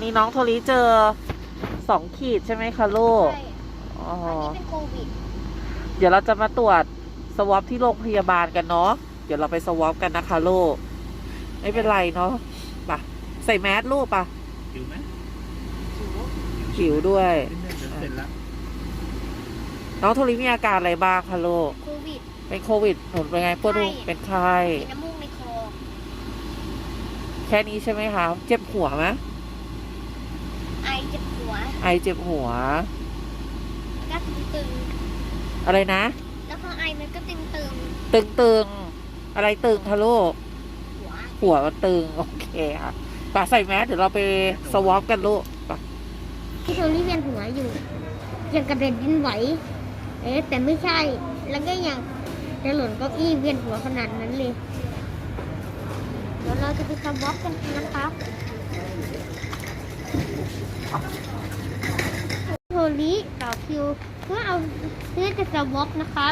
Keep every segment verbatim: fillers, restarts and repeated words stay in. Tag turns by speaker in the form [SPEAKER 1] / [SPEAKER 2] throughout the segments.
[SPEAKER 1] นี้น้องโทริเจอสองขีดใช่ไหมคะลูก
[SPEAKER 2] ใช่
[SPEAKER 1] อ๋อ
[SPEAKER 2] อันนี้เป็นโควิด
[SPEAKER 1] เดี๋ยวเราจะมาตรวจสวอปที่โรงพยาบาลกันเนาะเดี๋ยวเราไปสวอปกันนะคะลูกไม่เป็นไรเนาะป่ะใส่แมสลูกป่ะ
[SPEAKER 3] หิวไหม
[SPEAKER 1] หิวด้วย
[SPEAKER 3] เสร็จแล้ว
[SPEAKER 1] น้องโทริมีอาการอะไรบ้างคะลูก
[SPEAKER 2] โควิด
[SPEAKER 1] เป็นโควิดหนุนเป็นไงปวดหัวเป็นไข้
[SPEAKER 2] มีน้ำมูกในคอ
[SPEAKER 1] แค่นี้ใช่ไหมคะเจ็บหัวไหม
[SPEAKER 2] ไอเจ็บหัว
[SPEAKER 1] ไอเจ็บหัว
[SPEAKER 2] ก็ตึง
[SPEAKER 1] ๆอะไรนะ
[SPEAKER 2] แล้วพอไอมันก็ตึงตึง
[SPEAKER 1] ตึงตึงอะไรตึงคะลูก
[SPEAKER 2] หัว
[SPEAKER 1] หัวมันตึงโอเคค่ะป่ะใส่แมสเดี๋ยวเราไปสวอปกันลูกป่ะ
[SPEAKER 2] พี่โทนี่เวียนหัวอยู่ยังกระเด็นดินไหวเอ๊ะแต่ไม่ใช่แล้วก็ยังจะหล่นเก้าอี้เวียนหัวขนาดนั้นเลยเดี๋ยวเราจะไปสวอปกันนะครับโทริต่อคิวเพื่อเอาเพื่อจะสวอปนะครับ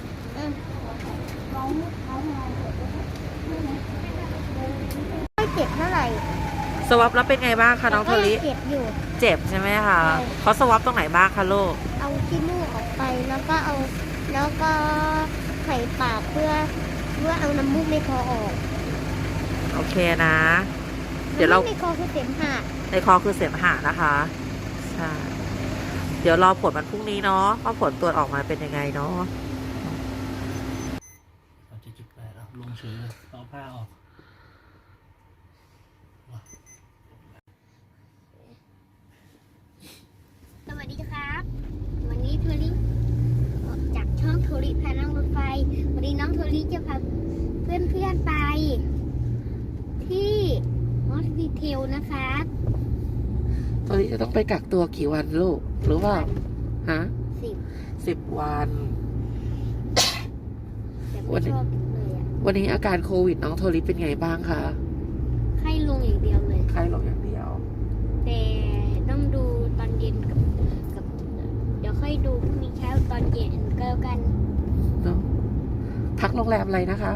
[SPEAKER 2] ไม่เจ็บเท่าไหร่
[SPEAKER 1] สวอปแล้วเป็นไงบ้างคะน้องโทริ
[SPEAKER 2] เจ็บอยู่
[SPEAKER 1] เจ็บใช่ไหมคะเขาสวอปตรงไหนบ้างคะลูก
[SPEAKER 2] เอาขี้มูกออกไปแล้วก็เอาแล้วก็ไข่ปากเพื่อเพื่อเอาน้ำมูกในคอออก
[SPEAKER 1] โอเคนะเดี๋ยวเรา
[SPEAKER 2] ในคอคือเสมหะ
[SPEAKER 1] ในคอคือเสมหะนะคะใช่เดี๋ยวรอผลวันพรุ่งนี้เนาะว่าผลตรวจออกมาเป็นยังไงเนาะ
[SPEAKER 3] สามเจ็ดจุดแปดแล้วลงเฉยเลยเอาผ้าออก
[SPEAKER 2] สวัสดีครับวันนี้โทริจากช่องโทริพานั่งรถไฟวันนี้น้องโทริจะพาเพื่อนเพื่อนไปที่ฮอสพิทอลนะคะ
[SPEAKER 1] ตอนนี้จะต้องไปกักตัวกี่วันลูกหรือว่าฮะ
[SPEAKER 2] สิบ
[SPEAKER 1] สิบวัน
[SPEAKER 2] วันนี้
[SPEAKER 1] วันนี้อาการโควิดน้องโทริเป็นไงบ้างคะ
[SPEAKER 2] ไข้ลงอย่างเดียวเลย
[SPEAKER 1] ไข้ลงอย่างเดียว
[SPEAKER 2] แต่ต้องดูตอนเย็นกับกับเดี๋ยวค่อยดูพรุ่งนี้เช้าตอนเย็นก็แล้วกัน
[SPEAKER 1] เนาะพักโรงแรมอะไรนะคะ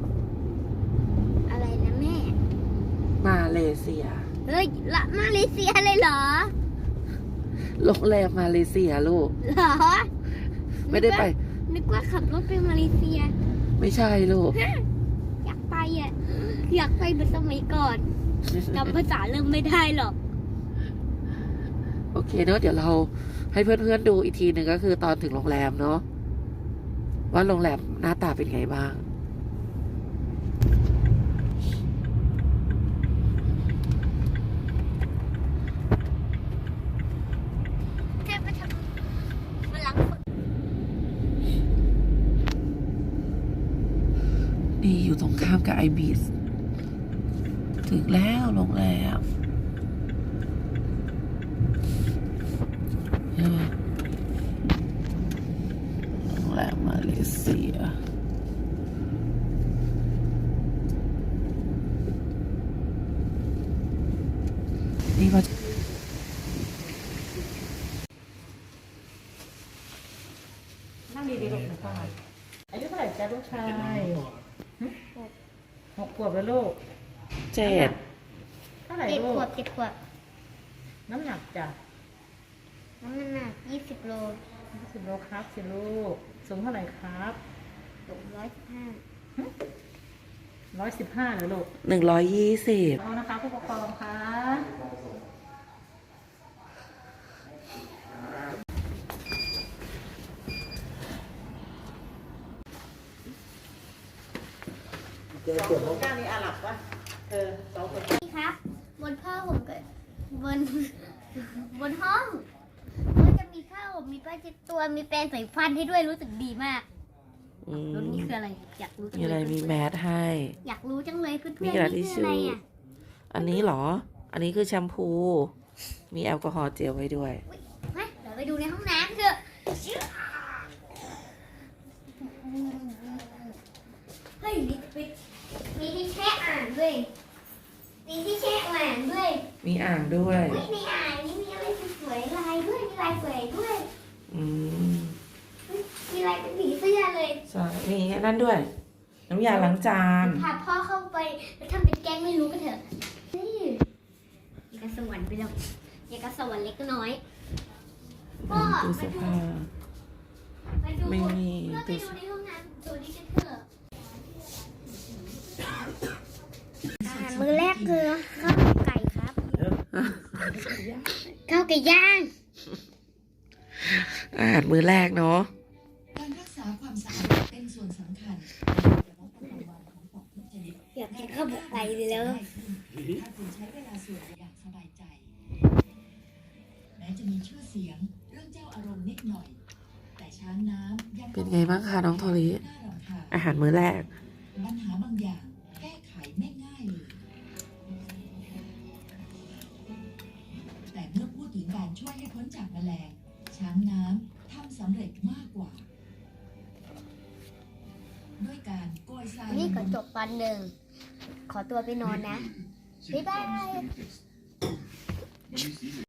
[SPEAKER 2] อะไรนะแม่
[SPEAKER 1] มาเลเซีย
[SPEAKER 2] เฮ้ยละมาเลเซียเลยเหรอ
[SPEAKER 1] โรงแรมมาเลเซียลูก
[SPEAKER 2] เหรอ
[SPEAKER 1] ไม่ได้ไป
[SPEAKER 2] นึกว่าขับรถไปมาเลเซีย
[SPEAKER 1] ไม่ใช่ลูก
[SPEAKER 2] อยากไปอ่ะอยากไปเหมือนสมัยก่อนจำภาษาเริ่มไม่ได้หรอก
[SPEAKER 1] โอเคเนาะเดี๋ยวเราให้เพื่อนๆดูอีกทีหนึ่งก็คือตอนถึงโรงแรมเนาะว่าโรงแรมหน้าตาเป็นไงบ้างนี่อยู่ตรงข้ามกับไอบีสถึงแล้วโรงแรมโรงแรมมาเลเซียนี่มานั่งดีๆลูกนะพ่ออายุเท่าไหร่จ๊ะลูกชายหกขวบแล้วลูกเจ็ดเท่าไหร่ลูก
[SPEAKER 2] เจ็ดขวบเจ็ดขวบ
[SPEAKER 1] น้ำหนักจ้ะ
[SPEAKER 2] น้ำหนักยี่สิบโล
[SPEAKER 1] ยี่สิบโลครับสิลูกสูงเท่าไหร่ครับ
[SPEAKER 2] สูงร้อยสิบห้า
[SPEAKER 1] ร้อยสิบห้าเลยลูกหนึ่งร้อยยี่สิบเอานะคะผู้ปกครองคะสองคนก้านี้อาหรับปะเออสองคน
[SPEAKER 2] นี่ครับบนผ้าห่มกับบนบนห้องก็จะมีผ้าห่มมีผ้าเช็ดตัวมีแปรงใส่ฟันให้ด้วยรู้สึกดีมากรถนี้คืออะไรอยากรู้จังเลยมี
[SPEAKER 1] อะไรมีแมสให้
[SPEAKER 2] อยากรู้จังเลยเพื่อนๆ
[SPEAKER 1] นี่คืออะไรอ่ะอันนี้เหรออันนี้คือแชมพูมีแอลกอฮอล์เจลไว้ด้วย
[SPEAKER 2] มาเดี๋ยวไปดูในห้องน้ำเถอะเฮ้ยมีที่แช่อ่างด้วยมีที่แช่อ่างด้วย
[SPEAKER 1] มีอ่างด้วย
[SPEAKER 2] ในอ่างนี้มีอะไรสวยลายด้วยมีลายสวยด้วย
[SPEAKER 1] อืม
[SPEAKER 2] มีลายเป็นผีเสื้อเลย
[SPEAKER 1] ใช่มีนั่นด้วยน้ำยาล้างจาน
[SPEAKER 2] พาพ่อเข้าไปแล้วทำเป็นแกล้งไม่รู้กันเถอะนี่กับสวรรค์ไปแล้วอย่างกับสวรรค์เล็กน้อยพ่อ
[SPEAKER 1] ตู้เสื้อผ้า
[SPEAKER 2] ไปดู
[SPEAKER 1] ไม่มี
[SPEAKER 2] เพื่อไป
[SPEAKER 1] ตู้
[SPEAKER 2] ดูในห้องน้ำตัวนี้กันเถอะอาหารมื้อแรกคือข้าวไก่ครับข้าวไก่ย่าง
[SPEAKER 1] อาหารมื้อแรกเนาะ
[SPEAKER 4] การรักษาความสะอาดเป็นส่วนสำคัญแต่ว่าประจำวันของของทุกชนิด
[SPEAKER 2] อยากกินข้าวหมกไก่เลยแล้ว
[SPEAKER 4] ถ้าคุณใช้เวลาส่วนอย่างสบายใจ แม้จะมีชื่อเสียงเรื่องเจ้าอารมณ์นิดหน่อย แต่ช้างน้ำยัง
[SPEAKER 1] เป็นไงบ้างคะน้องโทริ
[SPEAKER 4] น่ารำคาญ
[SPEAKER 1] อาหารมื้อแรก
[SPEAKER 4] ปัญหาบางอย่างแก้ไขไม่ง่ายเลย แต่เมื่อพูดถึงการช่วยให้พ้นจากแมลง ช้างน้ำทำสำเร็จมากกว่า ด้วยการโกยทราย
[SPEAKER 2] นี่ก็จบตอนหนึ่ง ขอตัวไปนอนนะ บ๊ายบาย